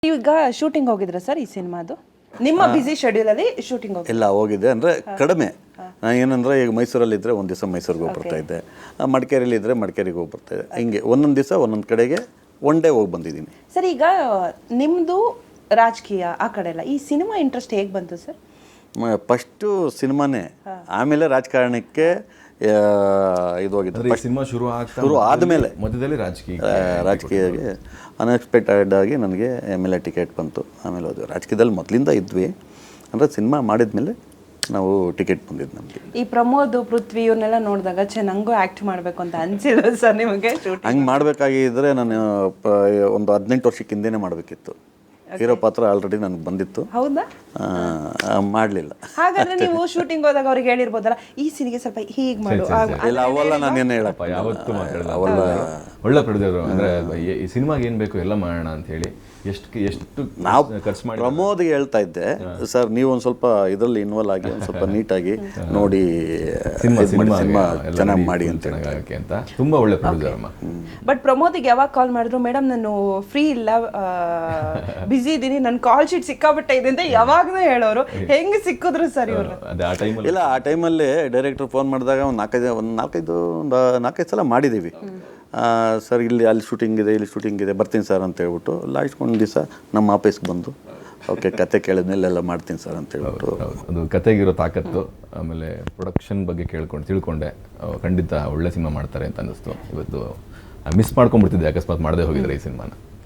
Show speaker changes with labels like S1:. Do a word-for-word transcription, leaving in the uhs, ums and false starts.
S1: ಈಗ ಶೂಟಿಂಗ್ ಹೋಗಿದ್ರ ಸರ್ ಈ ಸಿನಿಮಾದು? ನಿಮ್ಮ ಬಿಸಿ ಶೆಡ್ಯೂಲ್ ಅಲ್ಲಿ ಶೂಟಿಂಗ್ ಹೋಗಿ
S2: ಇಲ್ಲ ಹೋಗಿದೆ ಅಂದರೆ ಕಡಿಮೆ. ನಾನು ಏನಂದರೆ ಈಗ ಮೈಸೂರಲ್ಲಿ ಇದ್ದರೆ ಒಂದು ದಿವಸ ಮೈಸೂರಿಗೆ ಹೋಗಿ ಬರ್ತಾ ಇದ್ದೆ, ಮಡಿಕೇರಿಯಲ್ಲಿ ಇದ್ದರೆ ಮಡಿಕೇರಿಗೆ ಹೋಗಿ ಬರ್ತಾ ಇದ್ದೆ, ಹಿಂಗೆ ಒಂದೊಂದು ದಿವಸ ಒಂದೊಂದು ಕಡೆಗೆ ಒನ್ ಡೇ ಹೋಗಿ ಬಂದಿದ್ದೀನಿ.
S1: ಸರ್ ಈಗ ನಿಮ್ಮದು ರಾಜಕೀಯ ಆ ಕಡೆ ಎಲ್ಲ, ಈ ಸಿನಿಮಾ ಇಂಟ್ರೆಸ್ಟ್ ಹೇಗೆ ಬಂತು ಸರ್?
S2: ಫಸ್ಟು ಸಿನಿಮಾನೇ, ಆಮೇಲೆ ರಾಜಕಾರಣಕ್ಕೆ ಇದು ಹೋಗಿದ್ದು.
S3: ಸಿನಿಮಾ ಶುರು ಆಗ್ತಾ
S2: ಶುರು ಆದಮೇಲೆ
S3: ಮಧ್ಯದಲ್ಲಿ ರಾಜಕೀಯ
S2: ರಾಜಕೀಯಕ್ಕೆ ಅನ್ಎಕ್ಸ್ಪೆಕ್ಟೆಡ್ ಆಗಿ ನನಗೆ ಎಮ್ ಎಲ್ ಎ ಟಿಕೆಟ್ ಬಂತು. ಆಮೇಲೆ ಹೋದ್ವಿ. ರಾಜಕೀಯದಲ್ಲಿ ಮೊದಲಿಂದ ಇದ್ವಿ, ಅಂದರೆ ಸಿನಿಮಾ ಮಾಡಿದ್ಮೇಲೆ ನಾವು ಟಿಕೆಟ್ ಬಂದಿದ್ದು ನಮಗೆ.
S1: ಈ ಪ್ರಮೋದ್, ಪೃಥ್ವಿ ಇವ್ರನ್ನೆಲ್ಲ ನೋಡಿದಾಗ ಛೆ ನಂಗೂ ಆ್ಯಕ್ಟ್ ಮಾಡಬೇಕು ಅಂತ ಅನಿಸಿಲ್ಲ ಸರ್ ನಿಮಗೆ?
S2: ಹಂಗೆ ಮಾಡಬೇಕಾಗಿದ್ದರೆ ನಾನು ಒಂದು ಹದಿನೆಂಟು ವರ್ಷಕ್ಕೆ ಹಿಂದೆನೇ ಮಾಡಬೇಕಿತ್ತು. ಹೀರೋ ಪಾತ್ರ ಆಲ್ರೆಡಿ ನನಗೆ ಬಂದಿತ್ತು.
S1: ಹೌದಾ?
S2: ಮಾಡಲಿಲ್ಲ.
S1: ಹಾಗಾದ್ರೆ ನೀವು ಶೂಟಿಂಗ್ ಹೋದಾಗ ಅವ್ರಿಗೆ ಹೇಳಿರ್ಬೋದಲ್ಲ, ಈ ಸಿನಿಗೆ ಸ್ವಲ್ಪ ಹೀಗೆ ಮಾಡು.
S2: ಇಲ್ಲ ಅವೆಲ್ಲ ನಾನೇನು ಹೇಳಪ್ಪ,
S3: ಯಾವತ್ತೂ ಮಾತಾಡಲ್ಲ. ಅವೆಲ್ಲ ಒಳ್ಳೆ ಪ್ರೊಡ್ಯೂಸರ್. ಅಂದರೆ ಈ ಸಿನಿಮಾಗೆ ಏನು ಬೇಕು ಎಲ್ಲ ಮಾಡೋಣ ಅಂತ ಹೇಳಿ ಎಷ್ಟು ಎಷ್ಟು
S2: ನಾವು
S3: ಖರ್ಚು ಮಾಡಿ
S2: ಪ್ರಮೋದ್ಗೆ ಹೇಳ್ತಾ ಇದ್ದೆ, ಸರ್ ನೀವು ಒಂದು ಸ್ವಲ್ಪ ಇದರಲ್ಲಿ ಇನ್ವಾಲ್ವ್ ಆಗಿ ಒಂದು ಸ್ವಲ್ಪ ನೀಟಾಗಿ ನೋಡಿ
S3: ಸಿನಿಮಾ
S2: ಸಿನಿಮಾ ಚೆನ್ನಾಗಿ ಮಾಡಿ ಅಂತ
S3: ಅಂತ ತುಂಬ ಒಳ್ಳೆ ಪ್ರೊಡ್ಯೂಸರ್ ಅಮ್ಮ.
S1: ಬಟ್ ಪ್ರಮೋದಿಗೆ ಯಾವಾಗ ಕಾಲ್ ಮಾಡಿದ್ರು, ಮೇಡಮ್ ನಾನು ಫ್ರೀ ಇಲ್ಲ, ಬಿಸಿ ಇದ್ದೀನಿ, ನನ್ನ ಕಾಲ್ ಶೀಟ್ ಸಿಕ್ಕಾಬಿಟ್ಟೆ ಇದೆ ಅಂತ ಯಾವಾಗಲೂ ಹೇಳೋರು. ಹೆಂಗೆ ಸಿಕ್ಕಿದ್ರು ಸರ್ ಇವರು?
S3: ಅದೇ ಆ ಟೈಮಲ್ಲಿ
S2: ಇಲ್ಲ, ಆ ಟೈಮಲ್ಲಿ ಡೈರೆಕ್ಟ್ರ್ ಫೋನ್ ಮಾಡಿದಾಗ ಒಂದು ನಾಲ್ಕೈದು ಒಂದು ನಾಲ್ಕೈದು ಒಂದು ನಾಲ್ಕೈದು ಸಲ ಮಾಡಿದ್ದೀವಿ. ಸರ್ ಇಲ್ಲಿ ಅಲ್ಲಿ ಶೂಟಿಂಗ್ ಇದೆ, ಇಲ್ಲಿ ಶೂಟಿಂಗ್ ಇದೆ, ಬರ್ತೀನಿ ಸರ್ ಅಂತ ಹೇಳ್ಬಿಟ್ಟು ಲಾಸ್ಟ್ ಒಂದು ದಿವಸ ನಮ್ಮ ಆಫೀಸ್ಗೆ ಬಂದು ಓಕೆ ಕತೆ ಕೇಳಿದ್ಮೇಲೆ ಎಲ್ಲ ಮಾಡ್ತೀನಿ ಸರ್ ಅಂತ ಹೇಳ್ಬಿಟ್ಟು.
S3: ಅದು ಕತೆಗಿರೋ ತಾಕತ್ತು, ಆಮೇಲೆ ಪ್ರೊಡಕ್ಷನ್ ಬಗ್ಗೆ ಕೇಳ್ಕೊಂಡು ತಿಳ್ಕೊಂಡೆ ಖಂಡಿತ ಒಳ್ಳೆ ಸಿನಿಮಾ ಮಾಡ್ತಾರೆ ಅಂತ ಅನ್ನಿಸ್ತು. ಇವತ್ತು ಮಿಸ್ ಮಾಡ್ಕೊಂಡ್ಬಿಡ್ತಿದ್ದೆ ಅಕಸ್ಮಾತ್ ಮಾಡದೆ ಹೋಗಿದ್ರೆ ಈ ಸಿನಿಮಾನ.